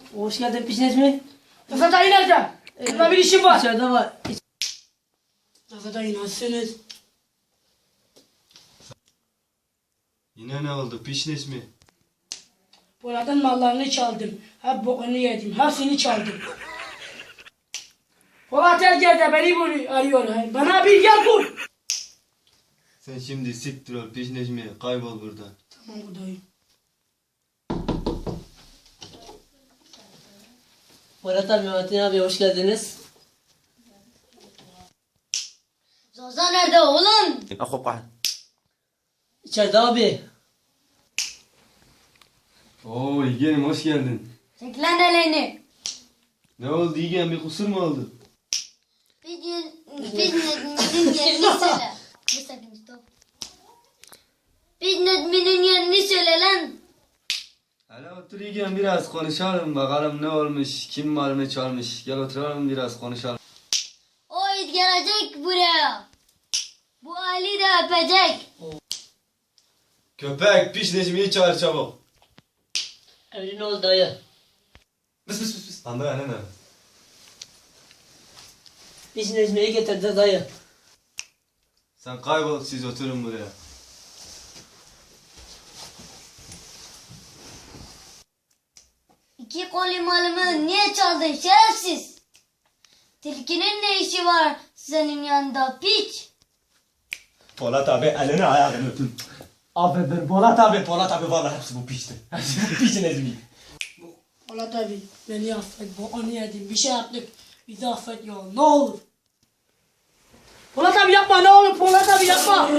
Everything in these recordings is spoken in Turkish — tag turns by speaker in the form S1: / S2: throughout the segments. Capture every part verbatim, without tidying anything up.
S1: Hoş geldin Pişneş mi?
S2: Rıfat dayı nerede? Burada bir işim var.
S1: İçeride var. İç-
S2: Rıfat dayı nasılsınız?
S3: Yine ne oldu? Pişneş mi?
S2: Polat'ın mallarını çaldım. Hep bokunu yedim. Hepsini çaldım. Polat Erger beni bul- arıyor. Bana bir gel bul.
S3: Sen şimdi siktir ol Pişneş mi? Kaybol buradan.
S2: Tamam dayı.
S1: Murat abi, Metin abi hoş geldiniz.
S4: Zoza nerede oğlum?
S1: İçeride abi.
S3: Oo İlgen'im hoş geldin.
S4: Çek lan elini.
S3: Ne oldu İlgen? Bir kusur mu oldu?
S4: Necmi'nin yerini söyle. Bir sakın stop. Biz Necmi'nin yerini söyle lan.
S3: Hele otur İlgen biraz konuşalım bakalım ne olmuş, kim malını çalmış. Gel oturalım biraz konuşalım.
S4: O it gelecek buraya. Bu Ali de öpecek.
S3: Köpek Pişneş mi'yi çağır çabuk.
S1: Emrin ol dayı.
S3: Pıs pıs pıs pıs. Anda ne ne?
S1: Pişneş mi'yi getirdi dayı.
S3: Sen kaybol siz oturun buraya.
S4: İki koli malımı niye çaldın şerefsiz? Tilkinin ne işi var senin yanında piç?
S5: Polat abi elini ayağını öpün. Affedin Polat abi, Polat abi vallahi hepsi bu piçti. Hepsi bu piçin ezmi.
S2: Polat abi beni affet. Bokunu yedim. Bir şey yaptık. Bizi affet ya. Ne olur. Polat abi yapma ne olur. Polat abi yapma.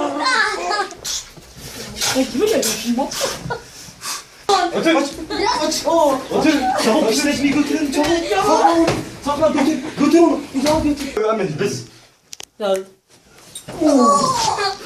S2: Sen kimi görüyorsun bak?
S5: Otur. Aç. Otur. Çabuk piçin ezmiyi götürün çabuk. Sakla onu. Sakla götür. Götür onu. Bir daha götür. Öğrenmedi biz.
S1: Ya
S4: Oh!